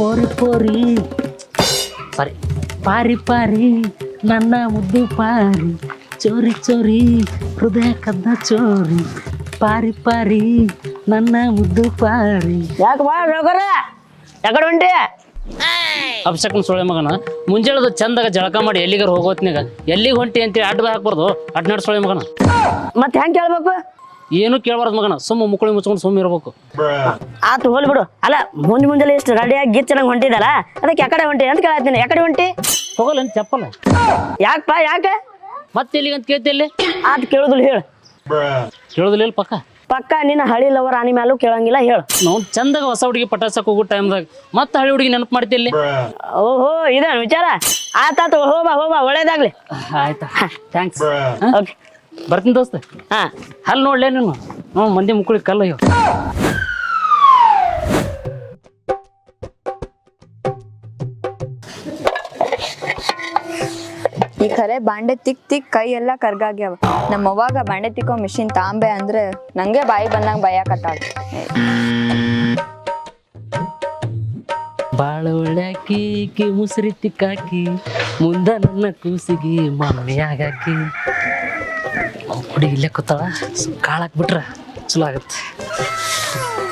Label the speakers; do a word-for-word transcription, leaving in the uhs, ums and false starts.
Speaker 1: ಪೋರಿ ಪೋರಿ ಸಾರಿ ಪಾರಿ ಪಾರಿ ನನ್ನ ಮುದ್ದು ಪಾರಿ ಚೋರಿ ಚೋರಿ ಹೃದಯ ಕದ್ದ ಚೋರಿ ಪಾರಿ ಪಾರಿ ನನ್ನ ಮುದ್ದು ಪಾರಿ.
Speaker 2: ಯಾಕೆ ಬಾ ಸಾವ್ಕಾರ ಯಾಕಡೆ ಹೊಂಟಿ?
Speaker 1: ಅಭಿಷೇಕನ ಸೊಳ್ಳೆ ಮಗನ ಮುಂಜಾಳದ ಚಂದಾಗ ಜಳಕ ಮಾಡಿ ಎಲ್ಲಿಗಾರ ಹೋಗೋತ್ನಾಗ ಎಲ್ಲಿಗೆ ಹೊಂಟಿ ಅಂತೇಳಿ ಅಡ್ಡ ಹಾಕ್ಬಾರ್ದು. ಅಡ್ನಾಡ್ ಸೊಳ್ಳೆ ಮಗನ
Speaker 2: ಮತ್ತೆ ಹೆಂಗೆ ಕೇಳ್ಬೇಕು?
Speaker 1: ಏನು ಕೇಳಬಾರ್ದು ಮಗನ, ಸುಮ್ಮ ಮುಕ್ಕಳಿ ಮುಚ್ಕೊಂಡು ಸುಮ್ಮ ಇರ್ಬೇಕು.
Speaker 2: ಆತು ಹೋಲ್ ಬಿಡು. ಅಲ್ಲ ಮುಂಜ್ ಮುಂಜಾನೆ ಇಷ್ಟು ರೆಡಿಯಾಗಿ ಗಿಚ್ಚನಂಗೆ ಹೊಂಟಿದಲ್ಲ, ಅದಕ್ಕೆ ಯಾಕಡೆ ಹೊಂಟಿ ಅಂತ ಕೇಳತ್ತೀನಿ. ಯಾಕಡೆ ಹೊಂಟಿ?
Speaker 1: ಹೋಗಲ್ಲ ಚಪ್ಪಲ್ಲ.
Speaker 2: ಯಾಕಪ್ಪ ಯಾಕೆ
Speaker 1: ಮತ್ತೆ ಎಲ್ಲಿಗಂತ ಕೇಳ್ತಿಲ್ಲಿ?
Speaker 2: ಆತು ಕೇಳುದಿಲ್ಲ ಹೇಳು.
Speaker 1: ಕೇಳೋದಿಲ್ಲ ಪಕ್ಕ
Speaker 2: ಪಕ್ಕ ನಿನ್ನ ಹಳಿ ಲವರ್ ಆನಿ ಮ್ಯಾಲೂ ಕೇಳಂಗಿಲ್ಲ ಹೇಳು.
Speaker 1: ನಾವು ಚಂದಾಗ ಹೊಸ ಹುಡುಗಿ ಪಟಾಸಕ್ ಹೋಗೋ ಟೈಮ್ದಾಗ ಮತ್ತೆ ಹಳಿ ಹುಡುಗಿ ನೆನಪು ಮಾಡ್ತಿಲ್ಲಿ.
Speaker 2: ಓಹೋ ಇದೇನು ವಿಚಾರ? ಆತಾತು ಹೋಬಾ ಹೋಬಾ ಒಳ್ಳೇದಾಗ್ಲಿ.
Speaker 1: ಆಯ್ತಾ ಥ್ಯಾಂಕ್ಸ್.
Speaker 2: ಓಕೆ
Speaker 1: ಬರ್ತೀನಿ ದೋಸ್ತ.
Speaker 2: ಹಾ
Speaker 1: ಅಲ್ಲಿ ನೋಡ್ಲೇ ನೀನು ಹ್ಞೂ ಮಂದಿ ಮುಕ್ಕಳಿ ಕಲ್ಲ ಇವ್.
Speaker 3: ಈ ಖರೆ ಬಾಂಡೆ ತಿಕ್ ತಿಕ್ ಕೈ ಎಲ್ಲ ಕರ್ಗಾಗ್ಯಾವ. ನಮ್ಮ ಅವ್ವಾಗ ಬಾಂಡೆ ತಿಕ್ಕೋ ಮಿಷಿನ್ ತಾಂಬೆ ಅಂದ್ರೆ ನಂಗೆ ಬಾಯಿ ಬಂದಂಗ ಭಯಕತ್ತಾಳ.
Speaker 1: ಬಾಳ ಒಳ್ಳ್ಯಾಕಿ ಕಿ ಮುಸ್ರಿ ತಿಕ್ಕಾಕಿ ಮುಂದ ನನ್ನ ಕೂಸಿಗೆ ಮಮ್ಮಿ ಆಗಾಕಿ. ಹುಡುಗಿ ಇಲ್ಲೇ ಕೂತಾಳ, ಕಾಳಾಕ್ಬಿಟ್ರ ಚಲೋ ಆಗತ್ತೆ.